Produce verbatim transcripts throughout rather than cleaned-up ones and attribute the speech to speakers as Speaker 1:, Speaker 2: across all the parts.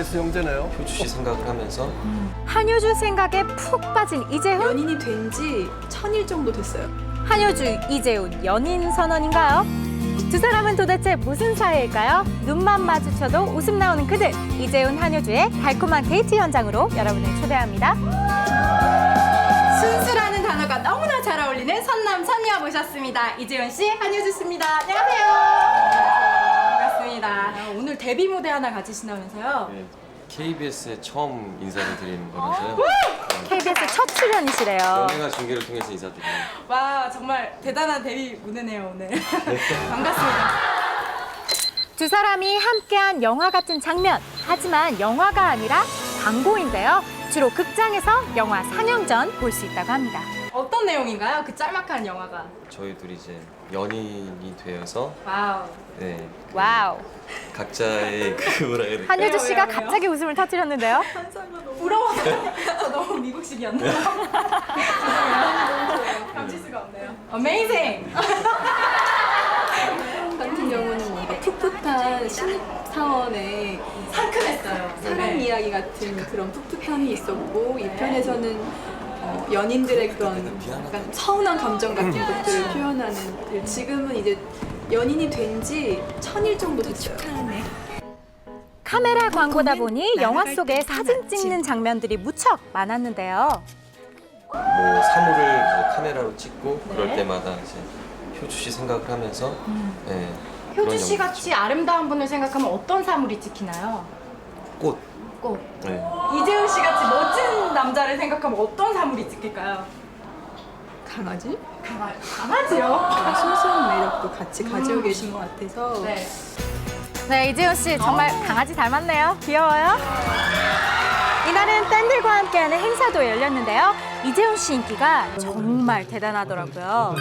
Speaker 1: 베스트 형제네요.
Speaker 2: 효주 씨 생각을 하면서
Speaker 3: 한효주 생각에 푹 빠진 이재훈.
Speaker 4: 연인이 된 지 천일 정도 됐어요.
Speaker 3: 한효주, 이재훈 연인 선언인가요? 두 사람은 도대체 무슨 사이일까요? 눈만 마주쳐도 웃음 나오는 그들. 이재훈, 한효주의 달콤한 데이트 현장으로 여러분을 초대합니다. 순수라는 단어가 너무나 잘 어울리는 선남, 선녀 모셨습니다. 이재훈 씨, 한효주 씨입니다. 안녕하세요. 반갑습니다. 오늘 데뷔 무대 하나 가지신다면서요?
Speaker 2: 네, 케이비에스에 처음 인사를 드리는 거라서요.
Speaker 3: 케이비에스 첫 출연이시래요.
Speaker 2: 연예가 중계를 통해서 인사드립니다.
Speaker 3: 와, 정말 대단한 데뷔 무대네요, 오늘. 반갑습니다. 두 사람이 함께한 영화 같은 장면. 하지만 영화가 아니라 광고인데요. 주로 극장에서 영화 상영 전 볼 수 있다고 합니다. 어떤 내용인가요? 그 짤막한 영화가.
Speaker 2: 저희 둘이 이제 연인이 되어서
Speaker 3: 와우.
Speaker 2: 네,
Speaker 3: 와우.
Speaker 2: 각자의 그 뭐라 해야 될까?
Speaker 3: 한효주 씨가
Speaker 4: 왜요, 왜요?
Speaker 3: 갑자기 웃음을 터뜨렸는데요. 부러워서 저 너무 미국식이었나요? 감칠 수가 없네요. 어메이징!
Speaker 4: 같은 경우는 뭔가 풋풋한 신입사원의
Speaker 3: 상큼했어요.
Speaker 4: 사랑 이야기 같은 그런 풋풋함이 있었고 이 편에서는 어, 연인들의 그런 약간 서운한 감정 같은 것들을 표현하는 지금은 이제 연인이 된 지 천일 정도 됐어요.
Speaker 3: 카메라 광고다 보니 영화 속에 사진 찍는 장면들이 무척 많았는데요.
Speaker 2: 뭐 사물을 이제 카메라로 찍고 그럴
Speaker 3: 네.
Speaker 2: 때마다 이제 효주 씨 생각을 하면서 네,
Speaker 3: 효주
Speaker 2: 그런
Speaker 3: 씨
Speaker 2: 영화.
Speaker 3: 같이 아름다운 분을 생각하면 어떤 사물이 찍히나요?
Speaker 2: 꽃.
Speaker 3: 꽃.
Speaker 2: 네.
Speaker 3: 이재훈 씨 같이 멋진 남자를 생각하면 어떤 사물이 찍힐까요?
Speaker 4: 강아지?
Speaker 3: 강아, 강아지요?
Speaker 4: 순수한 매력도 같이 가지고 계신 것 같아서
Speaker 3: 네. 네, 이재훈 씨 정말 강아지 닮았네요. 귀여워요. 이날은 팬들과 함께하는 행사도 열렸는데요. 이재훈 씨 인기가 정말 대단하더라고요.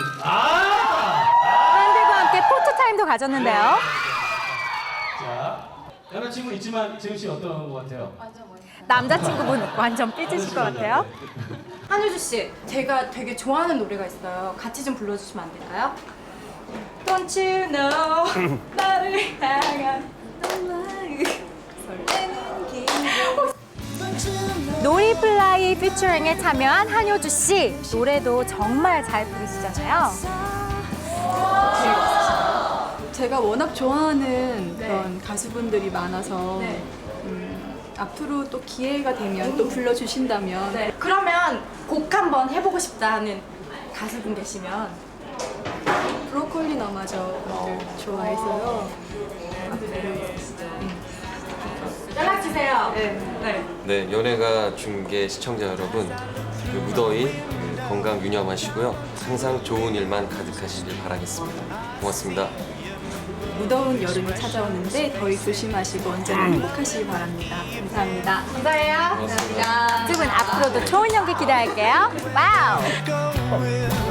Speaker 3: 팬들과 함께 포토타임도 가졌는데요.
Speaker 5: 자, 여자친구 있지만 이재훈 씨 어떤 것 같아요?
Speaker 3: 남자친구분 완전 삐지실 것 같아요. 한효주 씨, 제가 되게 좋아하는 노래가 있어요. 같이 좀 불러주시면 안 될까요? Don't you know 나를 향한 설레는 기분. 놀이플라이 피처링에 참여한 한효주 씨. 노래도 정말 잘 부르시잖아요.
Speaker 4: 제가 워낙 좋아하는
Speaker 3: 네.
Speaker 4: 그런 가수분들이 많아서
Speaker 3: 네.
Speaker 4: 음, 앞으로 또 기회가 되면 또 불러주신다면
Speaker 3: 네. 그러면 곡 한번 해보고 싶다 하는 가수분 계시면
Speaker 4: 브로콜리 너마저를 좋아해서요.
Speaker 3: 연락 주세요. 네. 네.
Speaker 2: 네, 연예가 중계 시청자 여러분, 그 무더위 그 건강 유념하시고요. 항상 좋은 일만 가득하시길 바라겠습니다. 고맙습니다.
Speaker 4: 무더운 여름이 찾아오는데 더위 조심하시고 언제나 행복하시기 바랍니다. 감사합니다.
Speaker 3: 감사해요.
Speaker 2: 고맙습니다.
Speaker 3: 두 분 앞으로도 좋은 연기 기대할게요. 와우.